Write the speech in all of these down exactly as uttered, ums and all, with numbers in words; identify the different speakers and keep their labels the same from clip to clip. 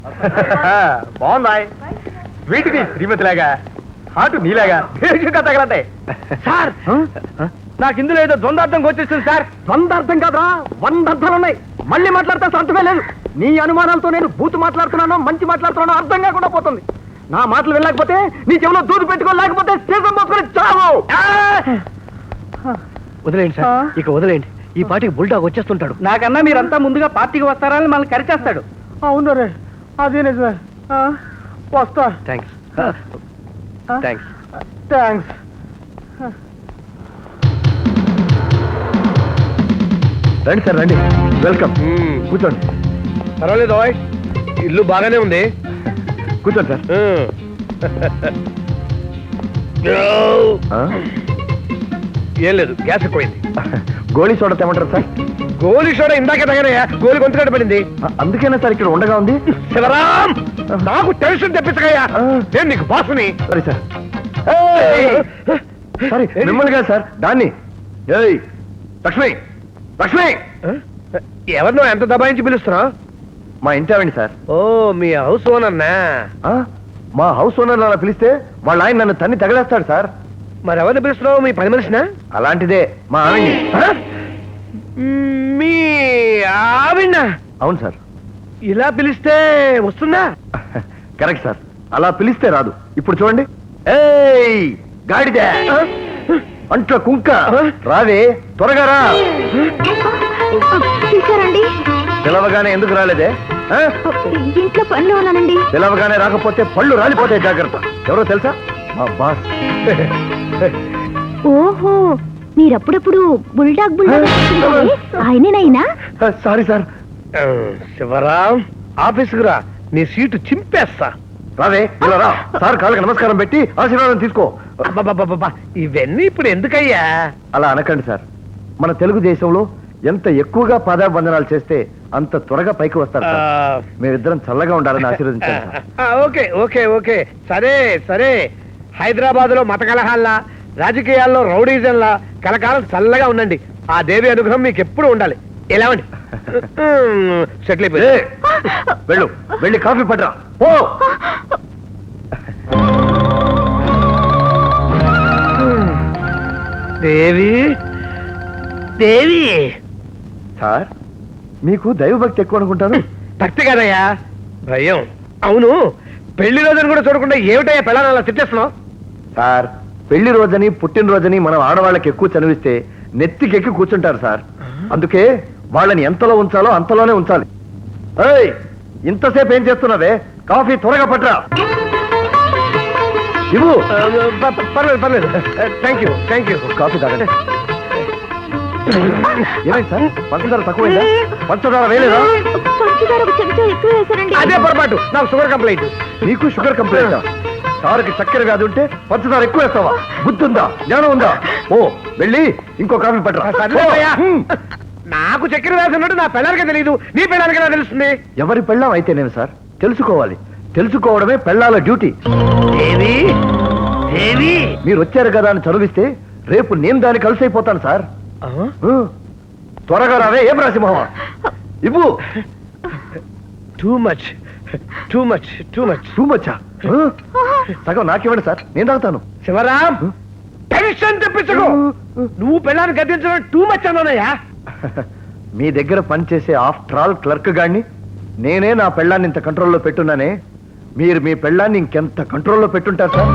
Speaker 1: బాగుందా వీటికి శ్రీమతిలాగా హాటు నీలాగా భేషుగా తగలంటాయి సార్. నాకు ఇందులో ఏదో ద్వందార్థం వచ్చేస్తుంది సార్. ద్వందార్థం కాదురా, వంద అర్థాలు ఉన్నాయి. మళ్ళీ మాట్లాడితే అర్థమే లేదు. నీ అనుమానాలతో నేను బూతు మాట్లాడుతున్నానో మంచి మాట్లాడుతున్నానో అర్థం కాకుండా పోతుంది. నా మాటలు వెళ్ళకపోతే నీ చెవిలో దూదు పెట్టుకోలేకపోతే సీసం పోసుకొని చావు.
Speaker 2: వదిలేండి సార్, ఇక వదిలేండి. ఈ పార్టీకి బుల్డాగ్ వచ్చేస్తుంటాడు.
Speaker 1: నాకన్నా మీరంతా ముందుగా పార్టీకి వస్తారని మనల్ని కరిచేస్తాడు. అవును రే, అదే నిజమే. వస్తా.
Speaker 2: Thanks thanks
Speaker 1: thanks.
Speaker 2: రండి సార్, రండి. వెల్కమ్. కూర్చోండి.
Speaker 1: పర్వాలేదు, ఇల్లు బాగానే ఉంది.
Speaker 2: కూర్చోండి సార్.
Speaker 1: ఏం లేదు, గ్యాస్ ఎక్కువైంది.
Speaker 2: గోళీ సోడా తెమ్మంటారు సార్?
Speaker 1: గోలీ సోడా ఇందాకే తగనయ్యా, గోలి గొంతుకట్టు పడింది.
Speaker 2: అందుకేనా సార్ ఇక్కడ ఉండగా ఉంది?
Speaker 1: శివరాం, నాకు టెన్షన్ తెప్పించకయ్యా, నేను నీకు బాసుని.
Speaker 2: సరే సార్. సారీ, మిమ్మల్ని కాదు సార్, దాన్ని. ఏయ్ లక్ష్మి, లక్ష్మి.
Speaker 1: ఎవరినో ఎంత దబాయించి పిలుస్తున్నా?
Speaker 2: మా ఇంటి ఆవిడ సార్.
Speaker 1: ఓ, మీ హౌస్ ఓనర్నా?
Speaker 2: మా హౌస్ ఓనర్ అలా పిలిస్తే వాళ్ళ ఆయన నన్ను తన్ని తగలేస్తాడు సార్.
Speaker 1: మరి ఎవరిని పిలుస్తున్నావు? మీ పని మనిషినా?
Speaker 2: అలాంటిదే మా ఆవిడ్ని.
Speaker 1: మీ ఆవిడ?
Speaker 2: అవును సార్.
Speaker 1: ఇలా పిలిస్తే వస్తుందా?
Speaker 2: కరెక్ట్ సార్, అలా పిలిస్తే రాదు. ఇప్పుడు చూడండి. ఏయ్ గాడిదే, అంట్ల కుంక, రావే త్వరగా రా. పిలవగానే ఎందుకు రాలేదే?
Speaker 3: ఇంట్లో పనిలో ఉన్నానండి.
Speaker 2: పిలవగానే రాకపోతే పళ్ళు రాలిపోతాయి, జాగ్రత్త. ఎవరో తెలుసా? మా బాస్.
Speaker 3: ఓహో, మీరప్పుడప్పుడు బుల్డాగ్ బుల్డాగ్ ఆయనేనైనా?
Speaker 2: Sorry sir.
Speaker 1: శివరాం, ఆఫీసుకు రా, నీ సీటు చింపేస్తా.
Speaker 2: రావే, ఇలా రా. సార్ కాళ్ళకి నమస్కారం పెట్టి ఆశీర్వాదం తీసుకో.
Speaker 1: అబ్బబ్బబ్బబ్బా, ఇవన్నీ ఇప్పుడు ఎందుకయ్యా?
Speaker 2: అలా అనకండి సార్. మన తెలుగుదేశంలో ఎంత ఎక్కువగా పాదాబంధనాలు చేస్తే అంత త్వరగా పైకి వస్తారు సార్. మీరిద్దరం చల్లగా ఉండాలని ఆశీర్వదించాను సార్.
Speaker 1: ఓకే ఓకే ఓకే, సరే సరే. హైదరాబాద్ లో మత కలహాల్లా, రాజకీయాల్లో రౌడీజన్లా కలకాలం చల్లగా ఉండండి. ఆ దేవి అనుగ్రహం మీకు ఎప్పుడు ఉండాలి. ఎలా ఉండి సెటిల్ అయిపోయి
Speaker 2: వెళ్ళు, వెళ్ళి కాఫీ పట్టరా. ఓ
Speaker 1: దేవి, దేవి.
Speaker 2: సార్, మీకు దైవభక్తి ఎక్కువ అనుకుంటాను.
Speaker 1: భక్తి కదయ్యా, భయం. అవును, పెళ్లి రోజుని కూడా చూడకుండా ఏమిటయ్యా పెళ్ళాన్ని అలా తిట్టేస్తున్నావు?
Speaker 2: సార్, పెళ్లి రోజని పుట్టినరోజని మనం ఆడవాళ్ళకి ఎక్కువ చదివిస్తే నెత్తికెక్కి కూర్చుంటారు సార్. అందుకే వాళ్ళని ఎంతలో ఉంచాలో అంతలోనే ఉంచాలి. ఏయ్, ఇంతసేపు ఏం చేస్తున్నావే? కాఫీ త్వరగా పట్టరా. ఇవ్వు.
Speaker 1: పర్లేదు పర్లేదు, thank you thank you.
Speaker 2: Coffee తాగండి. ఏమైంది సార్? పంచదార తక్కువైందా? పంచదార వేయలేదా?
Speaker 1: అదే పొరపాటు, నాకు షుగర్ కంప్లైంట్.
Speaker 2: నీకు షుగర్ కంప్లైంట్? సార్కి చక్కెర కాదు ఉంటే పంచదార ఎక్కువ వేస్తావా? బుద్ధి ఉందా, జ్ఞానం ఉందా? ఓ, వెళ్ళి ఇంకో కాఫీ పట్టరా.
Speaker 1: నాకు చక్కెర వేసినట్టు నా పెళ్ళానికే తెలియదు, నీ పెళ్ళానికి ఎలా తెలుస్తుంది?
Speaker 2: ఎవరి పెళ్ళాం అయితే నేను సార్ తెలుసుకోవాలి. తెలుసుకోవడమే పెళ్ళాల డ్యూటీ.
Speaker 1: దేవి, దేవి.
Speaker 2: మీరు వచ్చారు కదా అని చదివిస్తే రేపు నేను దాన్ని కలిసి అయిపోతాను సార్. త్వరగా రావే. ఏం రాసిమహ ఇవ్వు.
Speaker 1: Too much too much too much
Speaker 2: too మచ్చా? సగం నాకివ్వండి సార్, నేను తాగుతాను.
Speaker 1: శివరాం, టెన్షన్ తెప్పించకు. నువ్వు పెళ్ళాన్ని గద్దించడం టూ మచ్ అన్నానయ్యా.
Speaker 2: మీ దగ్గర పనిచేసే ఆఫ్టర్ ఆల్ క్లర్క్ గాడిని నేనే నా పెళ్ళాన్ని ఇంత కంట్రోల్లో పెట్టున్నానే. మీరు మీ పెళ్ళాన్ని ఇంకెంత కంట్రోల్లో పెట్టుంటారు సార్.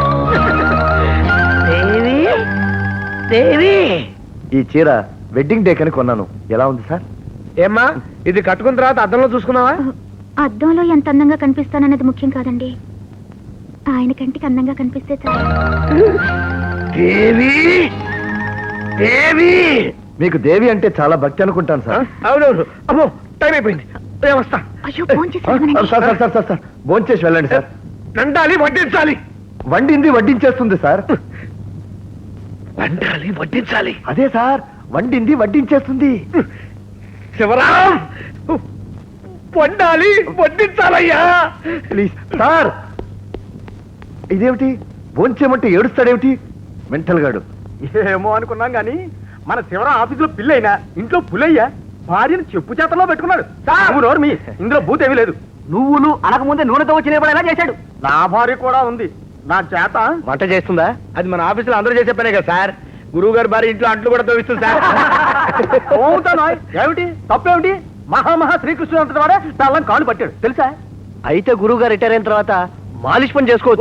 Speaker 1: దేవి, దేవి.
Speaker 2: ఈ చీర వెడ్డింగ్ డే కని కొన్నాను. ఎలా ఉంది సార్?
Speaker 1: ఏమ్మా, ఇది కట్టుకున్న తర్వాత అద్దంలో చూసుకున్నావా?
Speaker 3: అద్దంలో ఎంత అందంగా కనిపిస్తానన్నది ముఖ్యం కాదండి, ఆయన కంటికి అందంగా కనిపిస్తే చాలు.
Speaker 1: దేవి, దేవి.
Speaker 2: మీకు దేవి అంటే చాలా భక్తి అనుకుంటాను సార్.
Speaker 1: అవునవును. అమ్మో, టైం అయిపోయింది, వస్తా.
Speaker 3: అయ్యో,
Speaker 2: సార్ సార్ సార్ సార్ భోంచేసి వెళ్ళండి సార్.
Speaker 1: వండాలి, వడ్డించాలి.
Speaker 2: వండింది వడ్డించేస్తుంది సార్.
Speaker 1: వండాలి, వడ్డించాలి.
Speaker 2: అదే సార్, వండింది వడ్డించేస్తుంది.
Speaker 1: శివరాం, వండాలి, వడ్డించాలయ్యా.
Speaker 2: Please sir. ఇదేమిటి, భోంచేమంటే ఏడుస్తాడేమిటి మెంటల్ గాడు?
Speaker 1: ఏమో అనుకున్నాం గాని మన శివరాం ఆఫీసులో పిల్లైనా ఇంట్లో పులయ్యా భార్యను చెప్పు చేతల్లో పెట్టుకున్నాడు. మీ ఇందులో భూతేమీ లేదు. నువ్వులు అనకముందే నూనెతో వచ్చి నిలబడేలా చేశాడు. నా భార్య కూడా ఉంది నా చేత
Speaker 2: వంట చేస్తుందా?
Speaker 1: అది మన ఆఫీసులో అందరూ చేసే పనే కదా సార్. గురువు గారి భార్య ఇంట్లో అంట్లు కూడా తోవిస్తుంది సార్. అవుతాను ఏమిటి తప్పేమిటి? మహామహా శ్రీకృష్ణుడు అంతటి వాడే తల్లం కాళ్ళు పట్టాడు తెలుసా?
Speaker 2: అయితే గురువు గారు రిటైర్ అయిన తర్వాత మాలిష్ పని చేసుకోవచ్చు.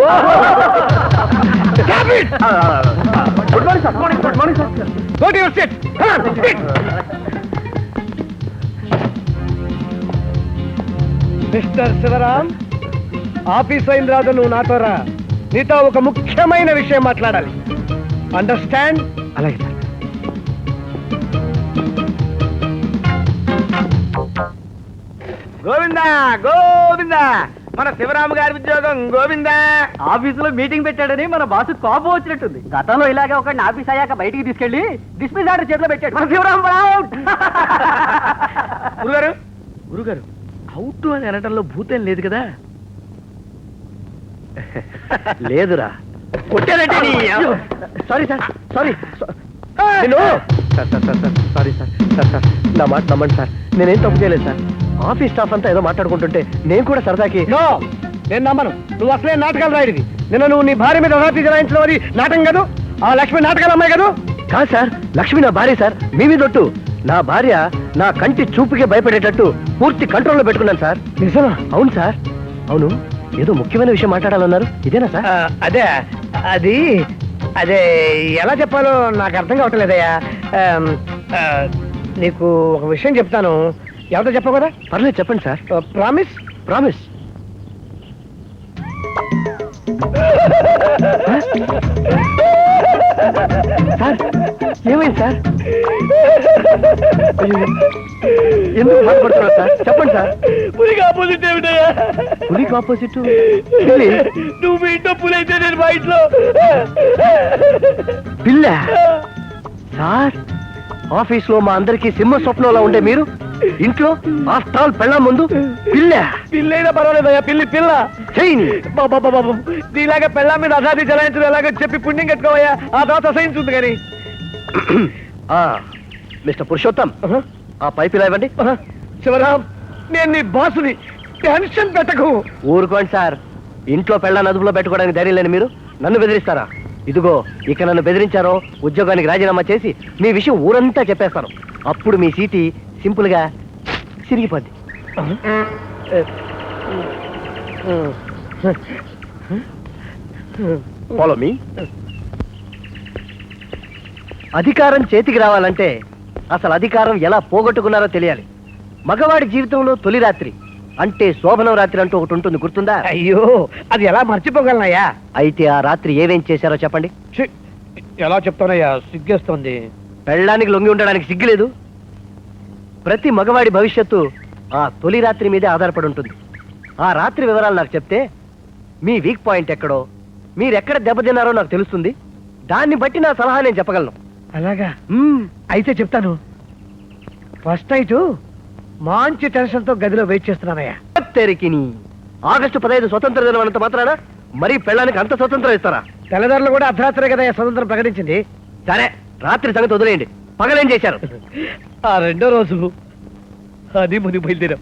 Speaker 1: Good morning sir. Morning good morning sir. Go to your seat. Mister Shivaram, office అయిన రాదు నువ్వు నాతో రా. నీతో ఒక ముఖ్యమైన విషయం మాట్లాడాలి. అండర్స్టాండ్?
Speaker 2: అలాగే సార్.
Speaker 1: గోవిందా గోవిందా, మన శివరామ గారి ఉద్యోగం గోవిందా. ఆఫీసులో మీటింగ్ పెట్టాడని మన బాసు కోపం వచ్చినట్టుంది. గతంలో ఇలాగే ఒకడిని ఆఫీస్ అయ్యాక బయటికి తీసుకెళ్లి డిస్మిస్ ఆర్డర్ చేతిలో పెట్టాడు మన శివరాం. గురుగారు గురుగారు అవుట్ అని అనటంలో భూతం లేదు కదా?
Speaker 2: లేదురా.
Speaker 1: కొట్టారంటే
Speaker 2: సారీ సార్, సారీ. నేను sir sir sir sir sorry sir sir sir నా మాట నమ్మండి సార్, నేనేం తప్పు చేయలేదు సార్. ఆఫీస్ స్టాఫ్ అంతా ఏదో మాట్లాడుకుంటుంటే నేను కూడా సరదాకి.
Speaker 1: నో, నేను నమ్మను. నువ్వు అసలే నాటకాలు రాయడిది. నిన్న నువ్వు నీ భార్య మీద రాత్రి జలాయించడం అది నాటకం కాదు. ఆ లక్ష్మి నాటకాలు అమ్మాయి కాదు.
Speaker 2: కాదు సార్, లక్ష్మి నా భార్య సార్. మీ మీదొట్టు. నా భార్య నా కంటి చూపుకే భయపడేటట్టు పూర్తి కంట్రోల్లో పెట్టుకున్నాను సార్.
Speaker 1: నిజమా?
Speaker 2: అవును సార్. అవును, ఏదో ముఖ్యమైన విషయం మాట్లాడాలన్నారు, ఇదేనా సార్?
Speaker 1: అదే అది అదే ఎలా చెప్పాలో నాకు అర్థం కావట్లేదయ్యా. ఆమ్, ఆ, నీకు ఒక విషయం చెప్తాను. ఎవరితో చెప్పవు కదా?
Speaker 2: పర్లేదు చెప్పండి సార్.
Speaker 1: ప్రామిస్?
Speaker 2: ప్రామిస్. సార్ ఏమైంది సార్? అయ్యో, ఎందుకు బాధపడుతున్నారు సార్? చెప్పండి సార్.
Speaker 1: పులికి ఆపోజిట్ ఏమిటయ్యా?
Speaker 2: పులికి ఆపోజిట్
Speaker 1: నువ్వు మీ ఇంట్లో పులి అయితే నేను మా ఇంట్లో
Speaker 2: పిల్ల. సార్, ఆఫీస్ లో మా అందరికి సింహ స్వప్నంలో ఉండే మీరు ఇంట్లో ఆఫ్టర్ ఆల్ పెళ్ళ ముందు పిల్ల.
Speaker 1: పిల్లైనా పర్వాలేదయ్యా, పిల్లి పిల్ల.
Speaker 2: చెయ్యి.
Speaker 1: బాబా బాబు, నీలాగా పెళ్ళ మీద అసాధి చలాయించడం ఎలాగో చెప్పి పుణ్యం కట్టుకోవయ్యా. ఆ తర్వాత అసహించుంది కానీ.
Speaker 2: ఆ, మిస్టర్ పురుషోత్తం, ఆ పైపు ఇలా ఇవ్వండి.
Speaker 1: శివరాం, నేను నీ బాసుని, టెన్షన్ పెట్టకు.
Speaker 2: ఊరుకోండి సార్. ఇంట్లో పెళ్ళ అదుపులో పెట్టుకోవడానికి ధైర్యం లేని మీరు నన్ను బెదిరిస్తారా? ఇదిగో, ఇక నన్ను బెదిరించారో ఉద్యోగానికి రాజీనామా చేసి మీ విషయం ఊరంతా చెప్పేస్తాను. అప్పుడు మీ సీటి సింపుల్ గా సిరిగిపోద్ది. Follow me. అధికారం చేతికి రావాలంటే అసలు అధికారం ఎలా పోగొట్టుకున్నారో తెలియాలి. మగవాడి జీవితంలో తొలి రాత్రి అంటే శోభనం రాత్రి అంటూ ఒకటి ఉంటుంది, గుర్తుందా?
Speaker 1: అయ్యో, అది ఎలా మర్చిపోగలనయ్యా?
Speaker 2: అయితే ఆ రాత్రి ఏమేం చేశారో చెప్పండి.
Speaker 1: ఎలా చెప్తానయ్యా, సిగ్గేస్తోంది.
Speaker 2: పెళ్ళడానికి లొంగి ఉండడానికి సిగ్గులేదు. ప్రతి మగవాడి భవిష్యత్తు ఆ తొలి రాత్రి మీదే ఆధారపడి ఉంటుంది. ఆ రాత్రి వివరాలు నాకు చెప్తే మీ వీక్ పాయింట్ ఎక్కడో, మీరెక్కడ దెబ్బతిన్నారో నాకు తెలుస్తుంది. దాన్ని బట్టి నా సలహా నేను చెప్పగలను.
Speaker 1: అలాగా?
Speaker 2: మ్మ్.
Speaker 1: అయితే చెప్తాను. ఫస్ట్ నైట్ మంచి టెన్షన్ తో గదిలో వెయిట్ చేస్తున్నానయ్యా.
Speaker 2: తెరికిని ఆగస్టు పదహైదు స్వతంత్ర దినం అన్నంత మాత్రాన మరీ పెళ్ళానికి అంత స్వతంత్రం ఇస్తారా?
Speaker 1: తెల్లదారులు కూడా అర్ధరాత్రే కదా స్వతంత్రం ప్రకటించింది.
Speaker 2: సరే, రాత్రి సంగతి వదిలేయండి. పగలేం చేశారు?
Speaker 1: ఆ రెండో రోజు అది ముని బయలుదేరాం.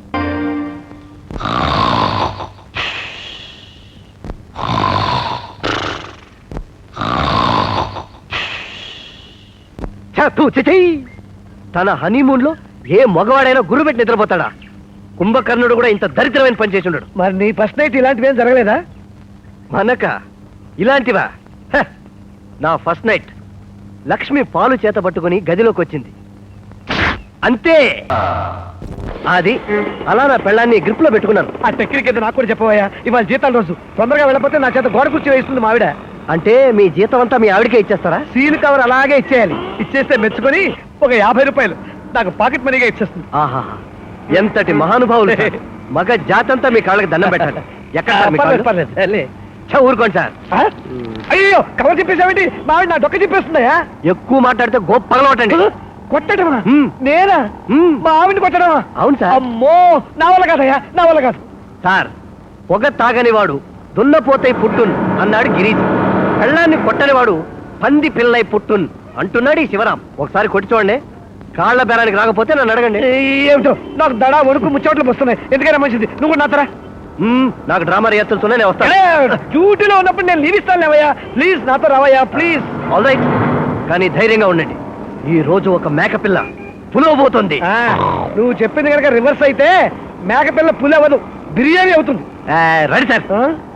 Speaker 2: తన హనీమూన్ లో ఏ మగవాడైనా గురు పెట్టి నిద్రపోతాడా? కుంభకర్ణుడు కూడా ఇంత దరిద్రమైన పని చేసి ఉండడు.
Speaker 1: మరి నీ ఫస్ట్ నైట్ ఇలాంటివి ఏం జరగలేదా?
Speaker 2: మనక ఇలాంటివా? హ! నా ఫస్ట్ నైట్ లక్ష్మి పాలు చేత పట్టుకుని గదిలోకి వచ్చింది అంతే. అది అలా నా పెళ్ళాన్ని గ్రిప్ లో పెట్టుకున్నాను.
Speaker 1: ఆ టెక్నిక్ ఏదో నాకు కూడా చెప్పవయ్యా. ఇవాళ జీతాల రోజు, తొందరగా వెళ్ళకపోతే నా చేత గోడ కుర్చీ వేస్తుంది మావిడ.
Speaker 2: అంటే మీ జీతం అంతా మీ ఆవిడకే ఇచ్చేస్తారా?
Speaker 1: సీల్ కవర్ అలాగే ఇచ్చేయాలి. ఇచ్చేస్తే మెచ్చుకొని ఒక యాభై రూపాయలు నాకు పాకెట్ మనీగా ఇచ్చేస్తుంది.
Speaker 2: ఆహా, ఎంతటి మహానుభావులు సార్. మగ జాతంతా మీ కాళ్ళకి దండం పెట్టాలి. ఎక్కడ సార్ మీ కాళ్ళు?
Speaker 1: పర్లేదు, పర్లేదు.
Speaker 2: ఛ, ఊరుకోండి సార్.
Speaker 1: ఆ? అయ్యో, కవర్ చెప్పేసావేంటి? మావిడ నా డొక్క చెప్పేస్తుందయా.
Speaker 2: ఎక్కువ మాట్లాడితే గొప్ప పగలవటండి.
Speaker 1: కొట్టడమా?
Speaker 2: హ్మ్.
Speaker 1: నేనా?
Speaker 2: హ్మ్.
Speaker 1: మా ఆవిడని కొట్టడమా?
Speaker 2: అవును సార్.
Speaker 1: అమ్మో, నా వల్ల కాదయ్యా, నా వల్ల కాదు.
Speaker 2: సార్, పొగ తాగనివాడు దున్నపోతై పుట్టున్ అన్నాడు గిరీష్. కళ్ళాన్ని కొట్టనివాడు పంది పిల్లై పుట్టున్ అంటున్నాడు ఈ శివరాం. ఒకసారి కొట్టి చూడండి. కాళ్ళ బేరానికి రాకపోతే నన్ను అడగండి.
Speaker 1: ఏమిటో నాకు దడా వణుకు ముచ్చోట్లు వస్తున్నాయి. ఎందుకైనా మంచిది నువ్వు నా తరా.
Speaker 2: మ్మ్, నాకు డ్రామా రిహర్సల్స్ నేను వస్తాను.
Speaker 1: డ్యూటీలో ఉన్నప్పుడు నేను లీవ్ ఇస్తాను లేవయ్యా. ప్లీజ్ నాతో రావయ్యా ప్లీజ్.
Speaker 2: ఆల్ రైట్, కానీ ధైర్యంగా ఉండండి. ఈ రోజు ఒక మేకపిల్ల పులవబోతుంది.
Speaker 1: ఆ, నువ్వు చెప్పింది కనుక రివర్స్ అయితే మేకపిల్ల పులి అవ్వదు, బిర్యానీ అవుతుంది.
Speaker 2: రండి సార్.
Speaker 1: ఆ?